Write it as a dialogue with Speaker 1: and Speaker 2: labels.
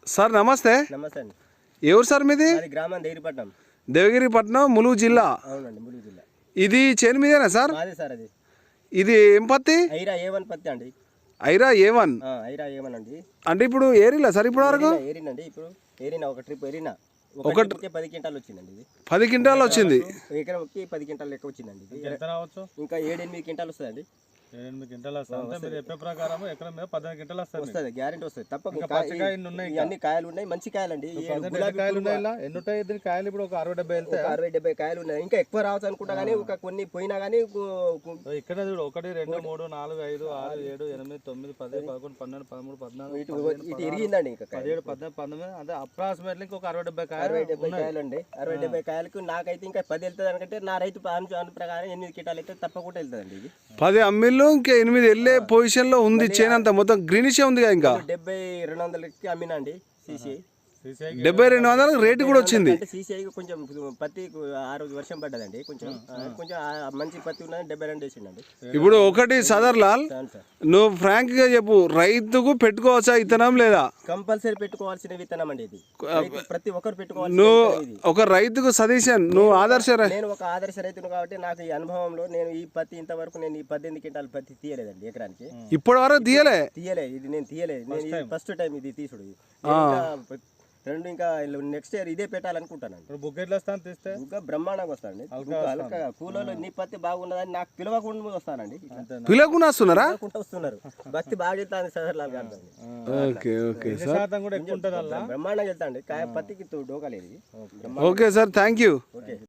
Speaker 1: Sir నమస్తే.
Speaker 2: నమస్తే అండి.
Speaker 1: ఎవరు సార్ మీది?
Speaker 2: గ్రామం దేగిరిపట్నం.
Speaker 1: దేవగిరిపట్నం, ములుగు జిల్లా.
Speaker 2: అవునండి, ములుగు జిల్లా.
Speaker 1: ఇది చేను మీదేనా సార్?
Speaker 2: మాదే సార్. అది
Speaker 1: ఇది ఏం పత్తి?
Speaker 2: ఐరా A1 పత్తి అండి.
Speaker 1: ఐరా A1.
Speaker 2: ఐరా A1 అండి.
Speaker 1: అంటే ఇప్పుడు ఏరిలా సార్? ఇప్పుడు వరకు
Speaker 2: ఏరినండి. ఇప్పుడు ఏరినా ఒక ట్రిప్ ఏరినా
Speaker 1: ఒక
Speaker 2: 10 క్వింటాలు వచ్చిందండి. ఇది
Speaker 1: 10 క్వింటాలు వచ్చింది.
Speaker 2: ఎకరంకి 10 క్వింటాలు లెక్క వచ్చిందండి. ఇంకా 7-8 క్వింటాలు వస్తుందండి.
Speaker 3: 8 క్వింటాలు వస్తుంది. మీరు చెప్పే ప్రకారం ఎకరం మీద 15 క్వింటాలు
Speaker 2: వస్తుంది. గ్యారెంటీ వస్తుంది తప్పకుండా. అన్ని కాయలు ఉన్నాయి, మంచి కాయలండి.
Speaker 3: కాయలు ఉన్నాయి. ఎన్ని ఉంటాయి దీని కాయలు? ఇప్పుడు ఒక 60-70 వెళ్తాయి.
Speaker 2: 60-70 కాయలు ఉన్నాయి. ఇంకా ఎక్కువ రావచ్చు అనుకుంటా కానీ ఒక కొన్ని పోయినా కానీ
Speaker 3: ఇక్కడ చూడు 1 2 3 4 5 6 7 8 9 10 11 12 13 14
Speaker 2: ఇటు ఎరిగిందండి. ఇంకా
Speaker 3: 17 18 19 అంటే అప్రాక్సిమేట్లీ ఇంకొక 60-70
Speaker 2: కాయలు అండి. 60-70 కాయలకు నాకైతే ఇంకా 10 వెళ్తుంది అనుకంటే నా రైతు ప్రకారం 8 క్వింటాలు అయితే తప్పకుండా వెళ్తుందండి. ఇది
Speaker 1: 10 అమ్మిళ్ళు ఇంకా 8 వెళ్ళే పొజిషన్ లో ఉంది. చేను అంతా మొత్తం గ్రీనిష్ ఉంది. ఇంకా
Speaker 2: 70-200కి అమ్మినండి. CCI
Speaker 1: 70-200 రేటు కూడా వచ్చింది.
Speaker 2: CCI కొంచెం పత్తి ఆ రోజు వర్షం పడ్డదండి. కొంచెం మంచి పత్తి ఉన్నది. 72 వేసిండండి.
Speaker 1: ఇప్పుడు ఒకటి సదర్లాల్, నువ్వు ఫ్రాంక్ గా చెప్పు, రైతుకు పెట్టుకోవచ్చా విత్తనం లేదా?
Speaker 2: కంపల్సరీ పెట్టుకోవాల్సిన విత్తనం అండి. ఇది ప్రతి ఒక్కరు పెట్టుకోవాలి.
Speaker 1: నువ్వు ఒక రైతుకు సజెషన్, నువ్వు ఆదర్శ
Speaker 2: నేను ఒక ఆదర్శ రైతును కాబట్టి నాకు ఈ అనుభవంలో నేను ఈ పత్తి ఇంతవరకు నేను ఈ 18 క్వింటాల పత్తి తీయలేదండి ఎకరానికి.
Speaker 1: ఇప్పటి వరకు తీయలే.
Speaker 2: ఇది నేను తీయలేదు. నేను ఫస్ట్ టైం ఇది తీసుడు. రెండు ఇంకా నెక్స్ట్ ఇయర్ ఇదే పెట్టాలనుకుంటానండి.
Speaker 3: బుగ్గ ఎట్లా వస్తాను తీస్తే?
Speaker 2: బుగ్గ బ్రహ్మాండంగా వస్తానండి. కూలలో నీ పత్తి బాగున్నదని నాకు పిలవకుండా వస్తానండి.
Speaker 1: పిలవకుండా వస్తున్నారా?
Speaker 2: వస్తున్నారు. భక్తి బాగా వెళ్తాను సార్.
Speaker 3: కూడా ఎక్కువ ఉంటుంది.
Speaker 2: బ్రహ్మాండంగా వెళ్తాండి. పత్తికి డోకా లేదు.
Speaker 1: Okay sir, thank you.